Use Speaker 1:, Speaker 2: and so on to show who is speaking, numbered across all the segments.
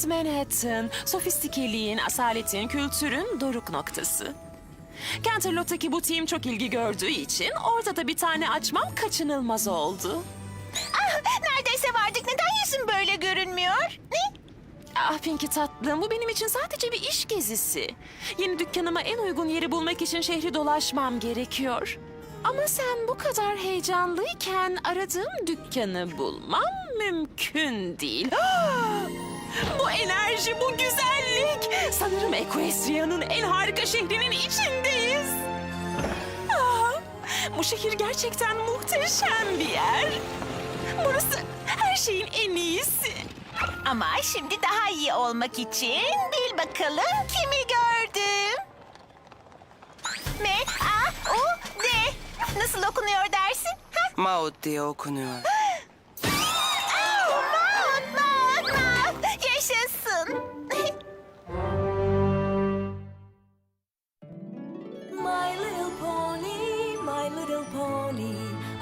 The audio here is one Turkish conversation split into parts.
Speaker 1: East Manhattan, sofistikeliğin, asaletin, kültürün doruk noktası. Canterlot'taki butiğim çok ilgi gördüğü için orada da bir tane açmam kaçınılmaz oldu.
Speaker 2: Neredeyse vardık. Neden yüzün böyle görünmüyor? Ne?
Speaker 1: Ah Pinky tatlım, bu benim için sadece bir iş gezisi. Yeni dükkanıma en uygun yeri bulmak için şehri dolaşmam gerekiyor. Ama sen bu kadar heyecanlıyken aradığım dükkanı bulmam mümkün değil. Bu enerji, bu güzellik. Sanırım Equestria'nın en harika şehrinin içindeyiz. Bu şehir gerçekten muhteşem bir yer. Burası her şeyin en iyisi.
Speaker 2: Ama şimdi daha iyi olmak için bil bakalım kimi gördüm. M-A-U-D. Nasıl okunuyor dersin? Ha?
Speaker 3: Maud diye okunuyor.
Speaker 2: Maud. Yaşasın.
Speaker 4: My little pony, my little pony.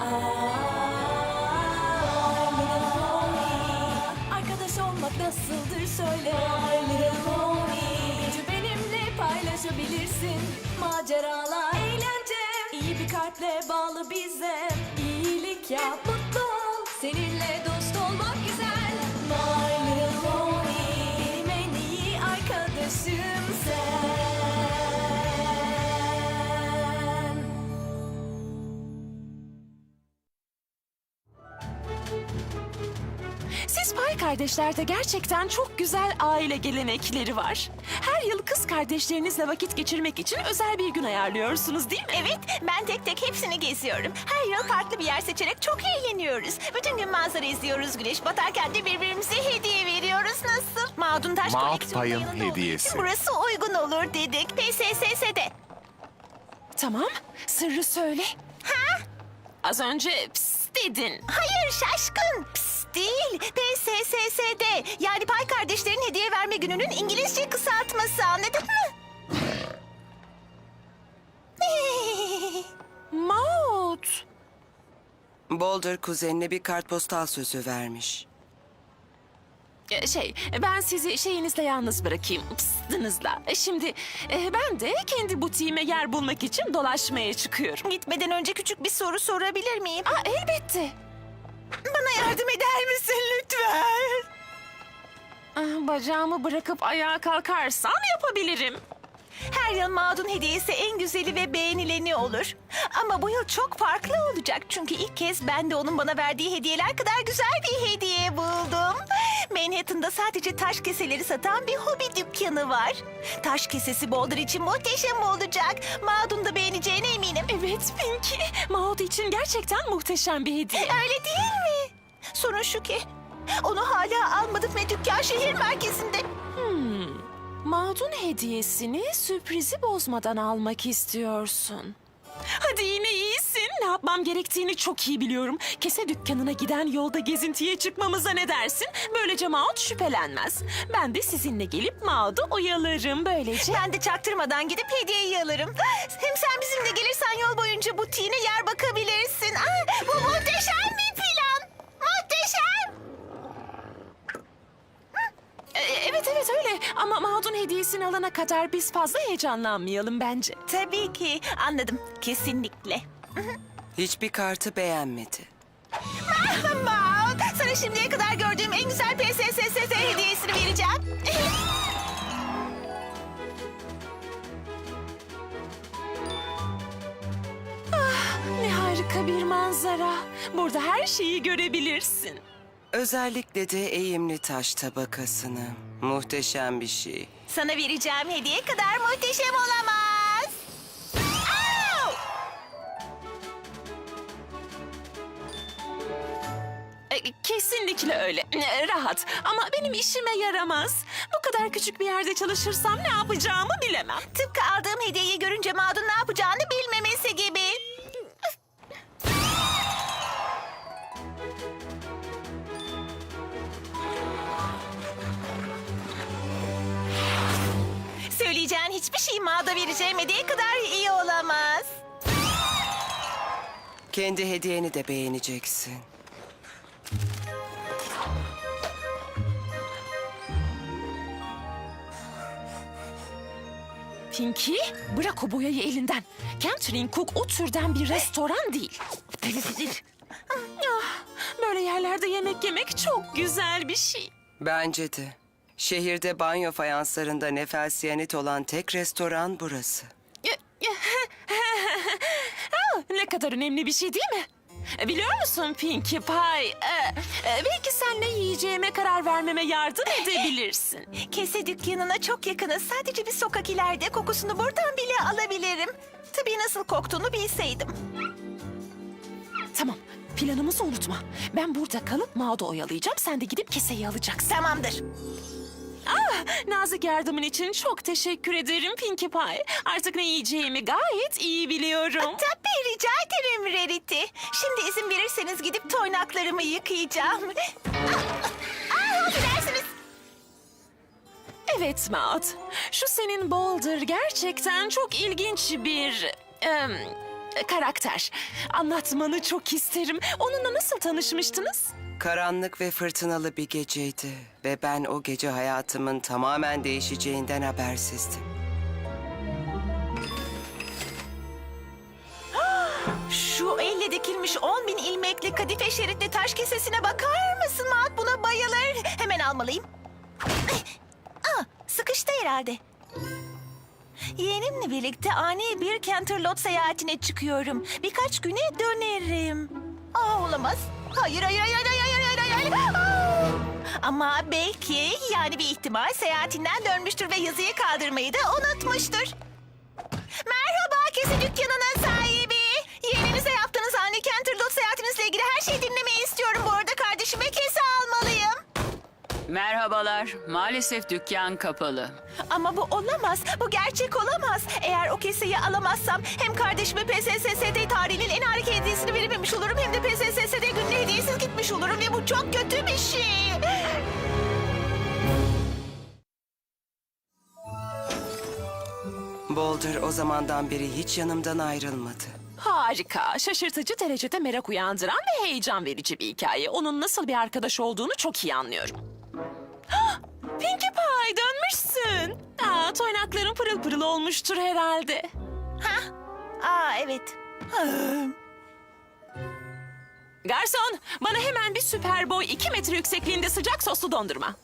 Speaker 4: My little pony. Arkadaş olmak nasıldır söyle. My little pony. Gücü benimle paylaşabilirsin. Maceralar, eğlence. İyi bir kalple bağlı bize. İyilik yap, mutlu ol. Seninle dost olmak güzel. My little pony. Benim en iyi arkadaşım sen.
Speaker 1: Siz Pay kardeşlerde gerçekten çok güzel aile gelenekleri var. Her yıl kız kardeşlerinizle vakit geçirmek için özel bir gün ayarlıyorsunuz değil mi?
Speaker 2: Evet, ben tek tek hepsini geziyorum. Her yıl farklı bir yer seçerek çok eğleniyoruz. Bütün gün manzara izliyoruz, güneş batarken de birbirimize hediye veriyoruz. Nasıl? Maud'un taş
Speaker 5: Maud
Speaker 2: koleksiyonu
Speaker 5: Pay'ın
Speaker 2: yanında olduğu için
Speaker 5: hediyesi.
Speaker 2: burası uygun olur dedik. PSSS'de.
Speaker 1: Tamam, sırrı söyle.
Speaker 2: Ha?
Speaker 1: Az önce pss dedin.
Speaker 2: Hayır şaşkın. Psst değil. PSSS'de. Yani Pay kardeşlerin hediye verme gününün İngilizce kısaltması, anladın mı?
Speaker 1: Maud.
Speaker 3: Boulder kuzenine bir kartpostal sözü vermiş.
Speaker 1: Ben sizi şeyinizle yalnız bırakayım, pıstınızla. Şimdi ben de kendi butiğime yer bulmak için dolaşmaya çıkıyorum.
Speaker 2: Gitmeden önce küçük bir soru sorabilir miyim?
Speaker 1: Elbette.
Speaker 2: Bana yardım eder misin lütfen?
Speaker 1: Bacağımı bırakıp ayağa kalkarsan yapabilirim.
Speaker 2: Her yıl Maud'un hediyesi en güzeli ve beğenileni olur. Ama bu yıl çok farklı olacak. Çünkü ilk kez ben de onun bana verdiği hediyeler kadar güzel bir hediye buldum. Manhattan'da sadece taş keseleri satan bir hobi dükkanı var. Taş kesesi Boulder için muhteşem olacak. Maud'un da beğeneceğine eminim.
Speaker 1: Evet Pinky, Maud için gerçekten muhteşem bir hediye.
Speaker 2: Öyle değil mi? Sorun şu ki onu hala almadık ve dükkan şehir merkezinde.
Speaker 1: Maud'un hediyesini sürprizi bozmadan almak istiyorsun. Hadi yine iyisin. Ne yapmam gerektiğini çok iyi biliyorum. Kese dükkanına giden yolda gezintiye çıkmamıza ne dersin? Böylece Maud şüphelenmez. Ben de sizinle gelip Maud'u oyalarım böylece.
Speaker 2: Ben de çaktırmadan gidip hediyeyi alırım. Hem sen bizimle gelirsen yol boyunca butiğine yer bakabilirsin. Bu muhteşem bir plan. Muhteşem.
Speaker 1: Evet öyle ama Maud'un hediyesini alana kadar biz fazla heyecanlanmayalım bence.
Speaker 2: Tabii ki. Anladım. Kesinlikle.
Speaker 3: Hiçbir kartı beğenmedi.
Speaker 2: Maud, sana şimdiye kadar gördüğüm en güzel PSSS hediyesini vereceğim.
Speaker 1: Ne harika bir manzara. Burada her şeyi görebilirsin.
Speaker 3: Özellikle de eğimli taş tabakasını. Muhteşem bir şey.
Speaker 2: Sana vereceğim hediye kadar muhteşem olamaz. Au!
Speaker 1: Kesinlikle öyle. Rahat ama benim işime yaramaz. Bu kadar küçük bir yerde çalışırsam ne yapacağımı bilemem.
Speaker 2: Tıpkı aldığım hediyeyi görünce Maud'un ne yapacağını bilmemesi gibi. Söyleyeceğin hiçbir şey Maud'a vereceğim hediye kadar iyi olamaz.
Speaker 3: Kendi hediyeni de beğeneceksin.
Speaker 1: Pinky, bırak o boyayı elinden. Catherine Cook o türden bir restoran değil. Ah, böyle yerlerde yemek yemek çok güzel bir şey.
Speaker 3: Bence de. Şehirde banyo fayanslarında nefelsiyanit olan tek restoran burası.
Speaker 1: Ne kadar önemli bir şey değil mi? Biliyor musun Pinkie Pie? Belki sen ne yiyeceğime karar vermeme yardım edebilirsin.
Speaker 2: Kese dükkanına çok yakınız. Sadece bir sokak ileride, kokusunu buradan bile alabilirim. Tabii nasıl koktuğunu bilseydim.
Speaker 1: Tamam, planımızı unutma. Ben burada kalıp Maud'u oyalayacağım. Sen de gidip keseyi alacaksın.
Speaker 2: Tamamdır.
Speaker 1: Nazik yardımın için çok teşekkür ederim Pinkie Pie. Artık ne yiyeceğimi gayet iyi biliyorum.
Speaker 2: Tabii rica ederim Rarity. Şimdi izin verirseniz gidip toynaklarımı yıkayacağım. Affedersiniz.
Speaker 1: Evet Maud, şu senin Boulder gerçekten çok ilginç bir karakter. Anlatmanı çok isterim. Onunla nasıl tanışmıştınız?
Speaker 3: Karanlık ve fırtınalı bir geceydi ve ben o gece hayatımın tamamen değişeceğinden habersizdim.
Speaker 2: Şu elle dikilmiş 10.000 ilmekli kadife şeritli taş kesesine bakar mısın Maud? Buna bayılır. Hemen almalıyım. Sıkıştı herhalde. Yeğenimle birlikte ani bir Canterlot seyahatine çıkıyorum. Birkaç güne dönerim. Olamaz. Hayır, hayır, hayır, hayır, hayır, hayır, hayır. Ama belki yani bir ihtimal seyahatinden dönmüştür ve yazıyı kaldırmayı da unutmuştur. Merhaba kese dükkanının sahibi. Yeğeninize yaptığınız ani Canterlot seyahatinizle ilgili her şeyi dinlemeyi istiyorum. Bu arada kardeşime kese almalıyım.
Speaker 5: Merhabalar. Maalesef dükkan kapalı.
Speaker 2: Ama bu olamaz. Bu gerçek olamaz. Eğer o keseyi alamazsam hem kardeşime PSSSD tarihinin en harika hediyesini verememiş olurum hem de PSSSD gününe hediyesiz gitmiş olurum ve bu çok kötü bir şey.
Speaker 3: Boulder o zamandan beri hiç yanımdan ayrılmadı.
Speaker 1: Harika, şaşırtıcı derecede merak uyandıran ve heyecan verici bir hikaye. Onun nasıl bir arkadaş olduğunu çok iyi anlıyorum. Pinkie Pie, dönmüşsün. Toynakların pırıl pırıl olmuştur herhalde.
Speaker 2: Evet.
Speaker 1: Garson, bana hemen bir süper boy 2 metre yüksekliğinde sıcak soslu dondurma.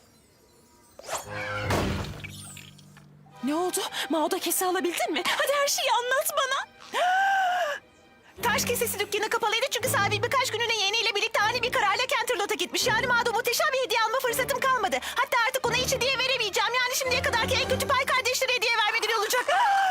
Speaker 1: Ne oldu? Maud'a kese alabildin mi? Hadi her şeyi anlat bana.
Speaker 2: Taş kesesi dükkanı kapalıydı çünkü sahibi birkaç günlüğüne yeğeniyle birlikte ani bir kararla Canterlot'a gitmiş. Yani Maud'a muhteşem bir hediye alma fırsatım kalmadı. Hatta artık ona hiç hediye veremeyeceğim. Yani şimdiye kadarki en kötü pay kardeşlere hediye vermeleri olacak.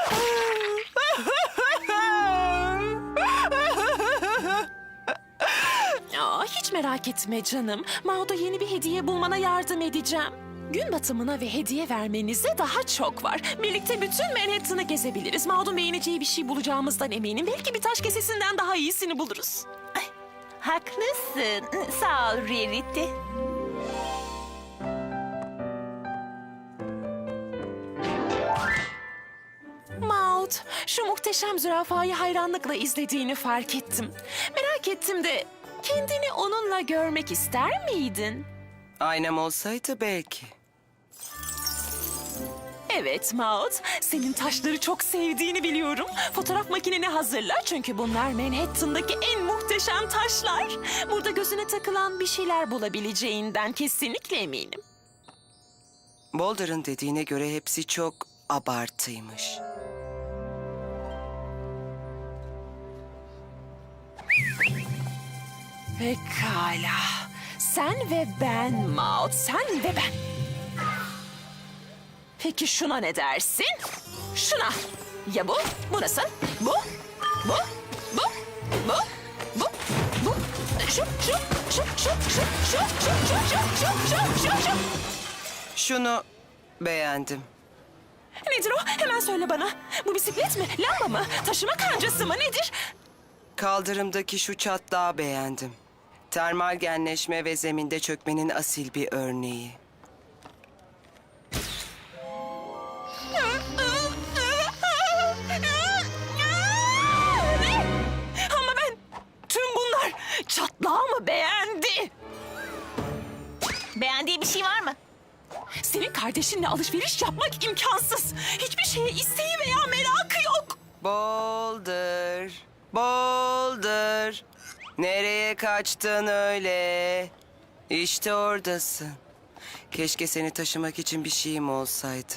Speaker 1: Hiç merak etme canım. Maud'a yeni bir hediye bulmana yardım edeceğim. Gün batımına ve hediye vermenize daha çok var. Birlikte bütün Manhattan'ı gezebiliriz. Maud'un beğeneceği bir şey bulacağımızdan eminim. Belki bir taş kesesinden daha iyisini buluruz.
Speaker 2: Haklısın. Sağ ol Rarity.
Speaker 1: Maud, şu muhteşem zürafayı hayranlıkla izlediğini fark ettim. Merak ettim de kendini onunla görmek ister miydin?
Speaker 3: Aynam olsaydı belki.
Speaker 1: Evet Maud, senin taşları çok sevdiğini biliyorum. Fotoğraf makineni hazırla çünkü bunlar Manhattan'daki en muhteşem taşlar. Burada gözüne takılan bir şeyler bulabileceğinden kesinlikle eminim.
Speaker 3: Boulder'ın dediğine göre hepsi çok abartıymış.
Speaker 1: Pekala. Sen ve ben Maud, sen ve ben. Peki şuna ne dersin? Şuna. Ya bu? Bu nasıl? Bu? Bu? Bu? Bu? Bu? Bu? Şu?
Speaker 3: Şunu beğendim.
Speaker 1: Nedir o? Hemen söyle bana. Bu bisiklet mi? Lamba mı? Taşıma kancası mı? Nedir?
Speaker 3: Kaldırımdaki şu çatlağı beğendim. Termal genleşme ve zeminde çökmenin asil bir örneği.
Speaker 1: Ama ben tüm bunlar çatlağı mı beğendi?
Speaker 2: Beğendiği bir şey var mı?
Speaker 1: Senin kardeşinle alışveriş yapmak imkansız. Hiçbir şeye isteği veya merakı yok.
Speaker 3: Boulder, Boulder. Nereye kaçtın öyle? İşte oradasın. Keşke seni taşımak için bir şeyim olsaydı.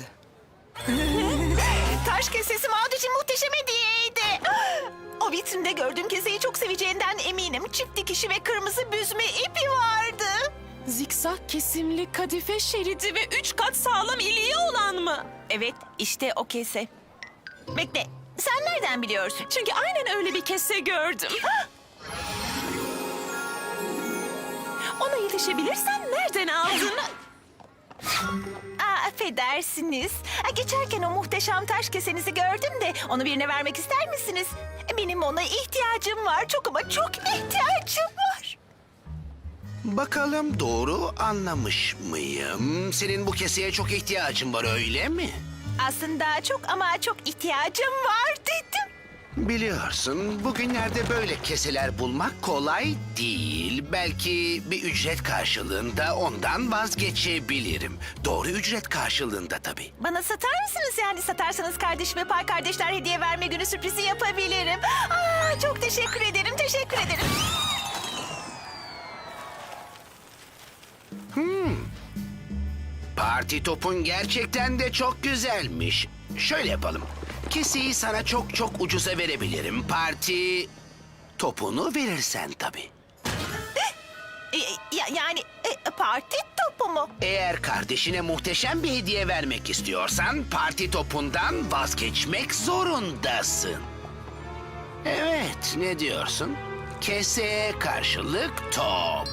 Speaker 2: Taş kesesi Maud için muhteşem hediyeydi. O vitrinde gördüğüm keseyi çok seveceğinden eminim. Çift dikişi ve kırmızı büzme ipi vardı.
Speaker 1: Zikzak kesimli kadife şeridi ve 3 kat sağlam iliği olan mı?
Speaker 2: Evet, işte o kese. Bekle, sen nereden biliyorsun?
Speaker 1: Çünkü aynen öyle bir kese gördüm. Ona yetişebilirsen nereden aldın?
Speaker 2: Affedersiniz. Geçerken o muhteşem taş kesenizi gördüm de onu birine vermek ister misiniz? Benim ona ihtiyacım var. Çok ama çok ihtiyacım var.
Speaker 6: Bakalım doğru anlamış mıyım? Senin bu keseye çok ihtiyacın var öyle mi?
Speaker 2: Aslında çok ama çok ihtiyacım var dedim.
Speaker 6: Biliyorsun bugünlerde böyle keseler bulmak kolay değil. Belki bir ücret karşılığında ondan vazgeçebilirim. Doğru ücret karşılığında tabii.
Speaker 2: Bana satar mısınız? Yani satarsanız kardeşime pay kardeşler hediye verme günü sürprizi yapabilirim. Çok teşekkür ederim, teşekkür ederim.
Speaker 6: Parti topun gerçekten de çok güzelmiş. Şöyle yapalım. Keseyi sana çok çok ucuza verebilirim. Parti topunu verirsen tabii.
Speaker 2: Yani parti topu mu?
Speaker 6: Eğer kardeşine muhteşem bir hediye vermek istiyorsan parti topundan vazgeçmek zorundasın. Evet, ne diyorsun? Keseye karşılık top.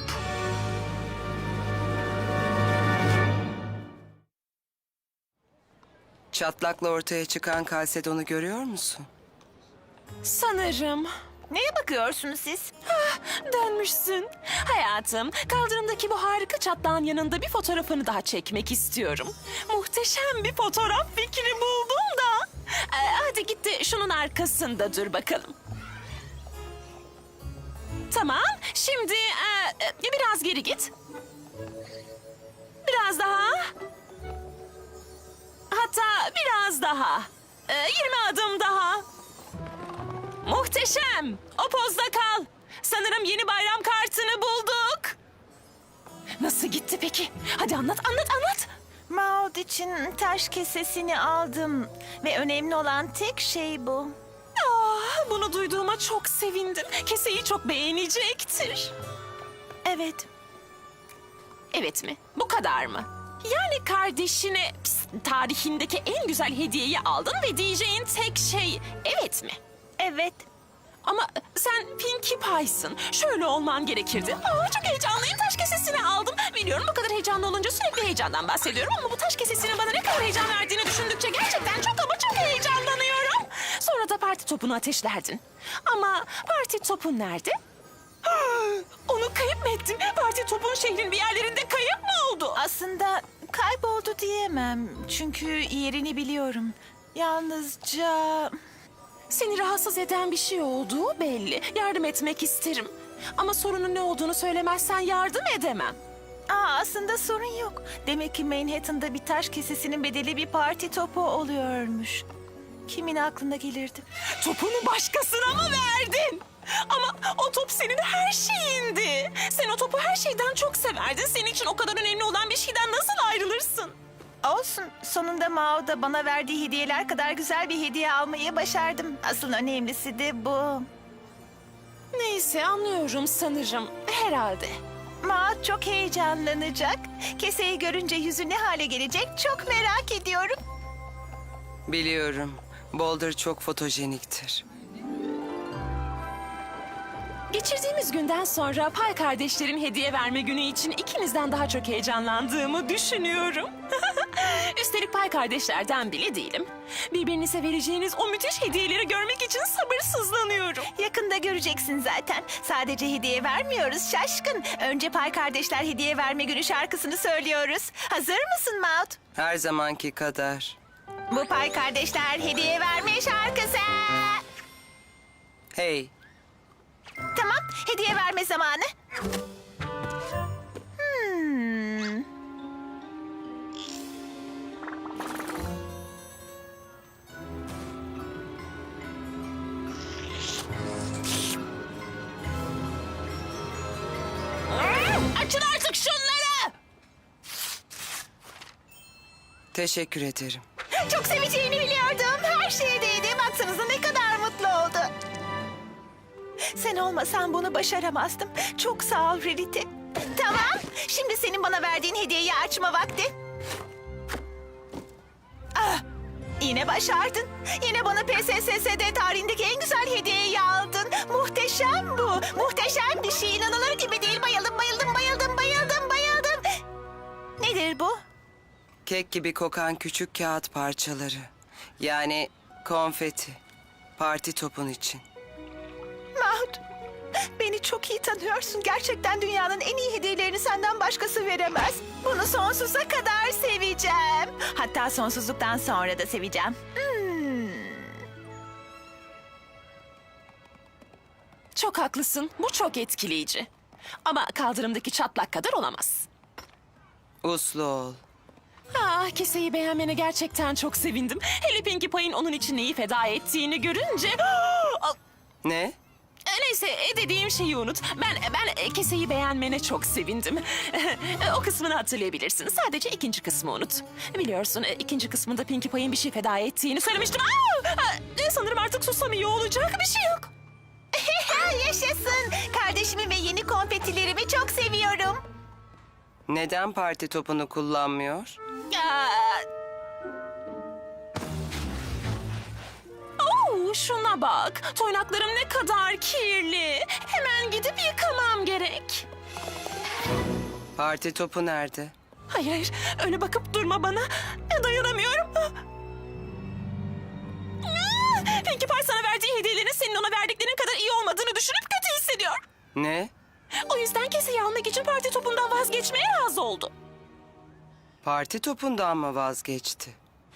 Speaker 3: Çatlakla ortaya çıkan kalsedonu görüyor musun?
Speaker 1: Sanırım.
Speaker 2: Neye bakıyorsunuz siz?
Speaker 1: Dönmüşsün. Hayatım, kaldırımdaki bu harika çatlağın yanında bir fotoğrafını daha çekmek istiyorum. Muhteşem bir fotoğraf fikri buldum da. Hadi git de şunun arkasında dur bakalım. Tamam, şimdi biraz geri git. Biraz daha. Hatta biraz daha. 20 adım daha. Muhteşem. O pozda kal. Sanırım yeni bayram kartını bulduk. Nasıl gitti peki? Hadi anlat.
Speaker 2: Maud için taş kesesini aldım. Ve önemli olan tek şey bu.
Speaker 1: Bunu duyduğuma çok sevindim. Keseyi çok beğenecektir.
Speaker 2: Evet.
Speaker 1: Evet mi? Bu kadar mı? Yani kardeşine tarihindeki en güzel hediyeyi aldın ve diyeceğin tek şey evet mi?
Speaker 2: Evet.
Speaker 1: Ama sen Pinkie Pie'sın. Şöyle olman gerekirdi. Çok heyecanlıyım. Taş kesesini aldım. Biliyorum bu kadar heyecanlı olunca sürekli heyecandan bahsediyorum. Ama bu taş kesesinin bana ne kadar heyecan verdiğini düşündükçe gerçekten çok ama çok heyecanlanıyorum. Sonra da parti topunu ateşlerdin. Ama parti topun nerede? Onu kayıp mı ettim? Parti topun şehrin bir yerlerinde kayıp mı oldu?
Speaker 2: Aslında kayboldu diyemem. Çünkü yerini biliyorum. Yalnızca...
Speaker 1: Seni rahatsız eden bir şey olduğu belli. Yardım etmek isterim. Ama sorunun ne olduğunu söylemezsen yardım edemem.
Speaker 2: Aslında sorun yok. Demek ki Manhattan'da bir taş kesesinin bedeli bir parti topu oluyormuş. Kimin aklına gelirdi?
Speaker 1: Topunu başkasına mı verdin? Ama o top senin her şeyindi. Sen o topu her şeyden çok severdin. Senin için o kadar önemli olan bir şeyden nasıl ayrılırsın?
Speaker 2: Olsun. Sonunda Maud'a bana verdiği hediyeler kadar güzel bir hediye almayı başardım. Asıl önemlisi de bu.
Speaker 1: Neyse anlıyorum sanırım. Herhalde.
Speaker 2: Maud çok heyecanlanacak. Keseyi görünce yüzü ne hale gelecek çok merak ediyorum.
Speaker 3: Biliyorum. Boulder çok fotojeniktir.
Speaker 1: Geçirdiğimiz günden sonra Pay kardeşlerin hediye verme günü için ikinizden daha çok heyecanlandığımı düşünüyorum. Üstelik Pay kardeşlerden bile değilim. Birbirinize vereceğiniz o müthiş hediyeleri görmek için sabırsızlanıyorum.
Speaker 2: Yakında göreceksin zaten. Sadece hediye vermiyoruz şaşkın. Önce Pay Kardeşler Hediye Verme Günü şarkısını söylüyoruz. Hazır mısın Maud?
Speaker 3: Her zamanki kadar.
Speaker 2: Bu Pay Kardeşler Hediye Verme şarkısı.
Speaker 3: Hey,
Speaker 2: Tamam, hediye verme zamanı.
Speaker 3: Teşekkür ederim.
Speaker 2: Çok seveceğini biliyordum. Her şeye değdi. Baksanıza ne kadar mutlu oldu. Sen olmasan bunu başaramazdım. Çok sağ ol Rarity. Tamam. Şimdi senin bana verdiğin hediyeyi açma vakti. Ah, yine başardın. Yine bana PSSS'de tarihindeki en güzel hediyeyi aldın. Muhteşem bu. Muhteşem bir şey. İnanılır gibi değil. Bayıldım, bayıldım, bayıldım, bayıldım, bayıldım. Nedir bu?
Speaker 3: Kek gibi kokan küçük kağıt parçaları. Yani konfeti. Parti topun için.
Speaker 2: Mahmut, beni çok iyi tanıyorsun. Gerçekten dünyanın en iyi hediyelerini senden başkası veremez. Bunu sonsuza kadar seveceğim. Hatta sonsuzluktan sonra da seveceğim.
Speaker 1: Çok haklısın. Bu çok etkileyici. Ama kaldırımdaki çatlak kadar olamaz.
Speaker 3: Uslu ol.
Speaker 1: Ah, keseyi beğenmene gerçekten çok sevindim. Hele Pinkie Pie'in onun için neyi feda ettiğini görünce... Ah,
Speaker 3: Ne?
Speaker 1: neyse, dediğim şeyi unut. Ben keseyi beğenmene çok sevindim. O kısmını hatırlayabilirsin. Sadece ikinci kısmı unut. Biliyorsun, ikinci kısmında Pinkie Pie'in bir şey feda ettiğini söylemiştim. Sanırım artık sussam iyi olacak. Bir şey yok.
Speaker 2: Yaşasın. Kardeşimi ve yeni konfetilerimi çok seviyorum.
Speaker 3: Neden parti topunu kullanmıyor?
Speaker 1: Şuna bak. Toynaklarım ne kadar kirli. Hemen gidip yıkamam gerek.
Speaker 3: Parti topu nerede?
Speaker 1: Hayır, hayır. Öyle bakıp durma bana. Dayanamıyorum. Pinkie Pie sana verdiği hediyelerin senin ona verdiklerin kadar iyi olmadığını düşünüp kötü hissediyor.
Speaker 3: Ne?
Speaker 1: O yüzden keseyi almak için parti topundan vazgeçmeye razı oldu.
Speaker 3: Parti topundan mı vazgeçti?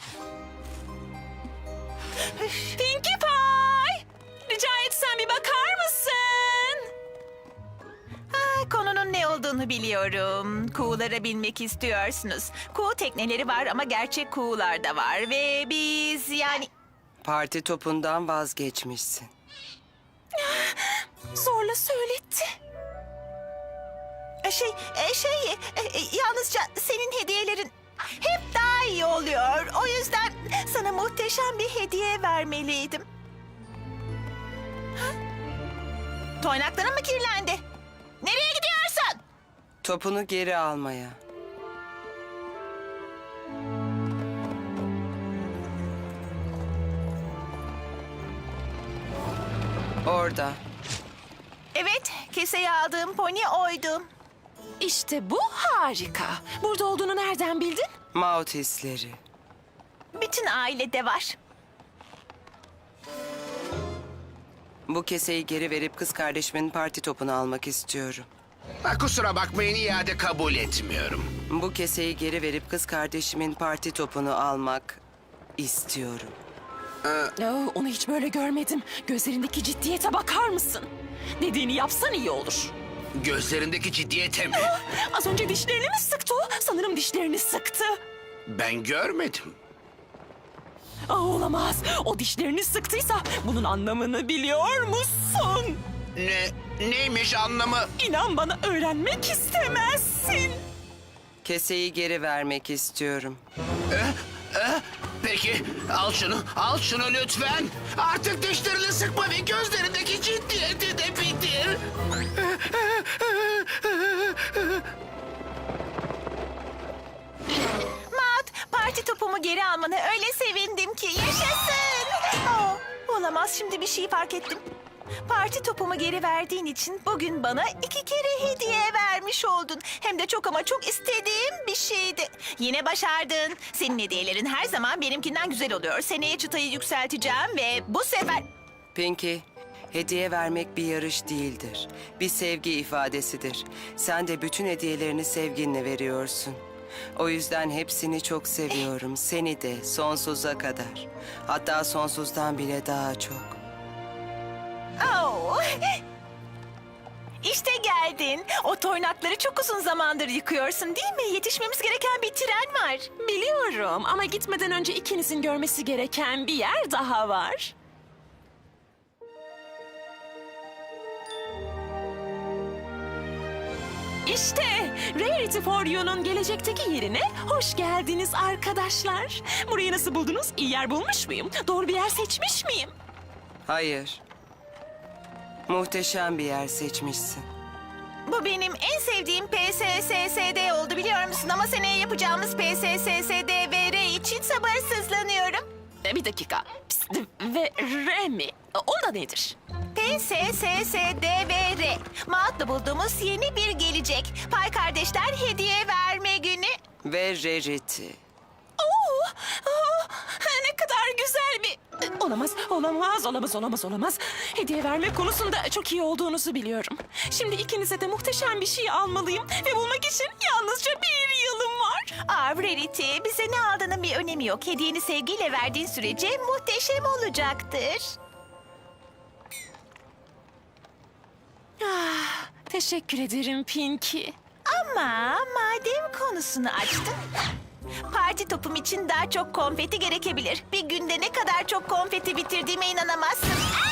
Speaker 1: Pinkie Pie! Rica etsem bir bakar mısın?
Speaker 2: Konunun ne olduğunu biliyorum. Kuğulara binmek istiyorsunuz. Kuğu tekneleri var ama gerçek kuğular da var. Ve biz yani...
Speaker 3: Parti topundan vazgeçmişsin.
Speaker 1: Zorla söyletti.
Speaker 2: Yalnızca senin hediyelerin hep daha iyi oluyor. O yüzden sana muhteşem bir hediye vermeliydim. Ha? Toynakların mı kirlendi? Nereye gidiyorsun?
Speaker 3: Topunu geri almaya. Orada.
Speaker 2: Evet, keseye aldığım pony oydu.
Speaker 1: İşte bu harika. Burada olduğunu nereden bildin?
Speaker 3: Maut hisleri.
Speaker 2: Bütün ailede var.
Speaker 3: Bu keseyi geri verip kız kardeşimin parti topunu almak istiyorum.
Speaker 6: Kusura bakmayın, iade kabul etmiyorum.
Speaker 3: Bu keseyi geri verip kız kardeşimin parti topunu almak istiyorum.
Speaker 1: Onu hiç böyle görmedim. Gözlerindeki ciddiyete bakar mısın? Dediğini yapsan iyi olur.
Speaker 6: Gözlerindeki ciddiyete mi?
Speaker 1: Az önce dişlerini mi sıktı o? Sanırım dişlerini sıktı.
Speaker 6: Ben görmedim.
Speaker 1: Olamaz. O dişlerini sıktıysa bunun anlamını biliyor musun?
Speaker 6: Neymiş anlamı?
Speaker 1: İnan bana, öğrenmek istemezsin.
Speaker 3: Keseyi geri vermek istiyorum.
Speaker 6: Peki, al şunu lütfen. Artık dişlerini sıkma ve gözlerindeki ciddiyeti de bitir.
Speaker 2: Maud, parti topumu geri almana öyle sevindim ki. Yaşasın! Olamaz, şimdi bir şey fark ettim. Parti topumu geri verdiğin için bugün bana 2 kere hediye vermiş oldun. Hem de çok ama çok istediğim bir şeydi. Yine başardın. Senin hediyelerin her zaman benimkinden güzel oluyor. Seneye çıtayı yükselteceğim ve bu sefer...
Speaker 3: Pinkie, hediye vermek bir yarış değildir. Bir sevgi ifadesidir. Sen de bütün hediyelerini sevginle veriyorsun. O yüzden hepsini çok seviyorum. Seni de sonsuza kadar. Hatta sonsuzdan bile daha çok.
Speaker 2: Oh. İşte geldin. O toynakları çok uzun zamandır yıkıyorsun değil mi? Yetişmemiz gereken bir tren var.
Speaker 1: Biliyorum ama gitmeden önce ikinizin görmesi gereken bir yer daha var. İşte Rarity for You'nun gelecekteki yerine hoş geldiniz arkadaşlar. Burayı nasıl buldunuz? İyi yer bulmuş muyum? Doğru bir yer seçmiş miyim?
Speaker 3: Hayır. Muhteşem bir yer seçmişsin.
Speaker 2: Bu benim en sevdiğim PSSSD oldu biliyor musun? Ama seneye yapacağımız PSSSDVR için sabırsızlanıyorum.
Speaker 1: Bir dakika. Pst, ve R mi? O da nedir?
Speaker 2: PSSSDVR. Maat'la bulduğumuz yeni bir gelecek. Pay kardeşler hediye verme günü.
Speaker 3: Ve Rarity.
Speaker 1: Oo, ne kadar güzel bir... Olamaz. Hediye vermek konusunda çok iyi olduğunuzu biliyorum. Şimdi ikinize de muhteşem bir şey almalıyım ve bulmak için yalnızca bir yılım var.
Speaker 2: Rarity, bize ne aldığının bir önemi yok. Hediyeni sevgiyle verdiğin sürece muhteşem olacaktır.
Speaker 1: Teşekkür ederim Pinky.
Speaker 2: Ama madem konusunu açtın... Parti topum için daha çok konfeti gerekebilir. Bir günde ne kadar çok konfeti bitirdiğime inanamazsın.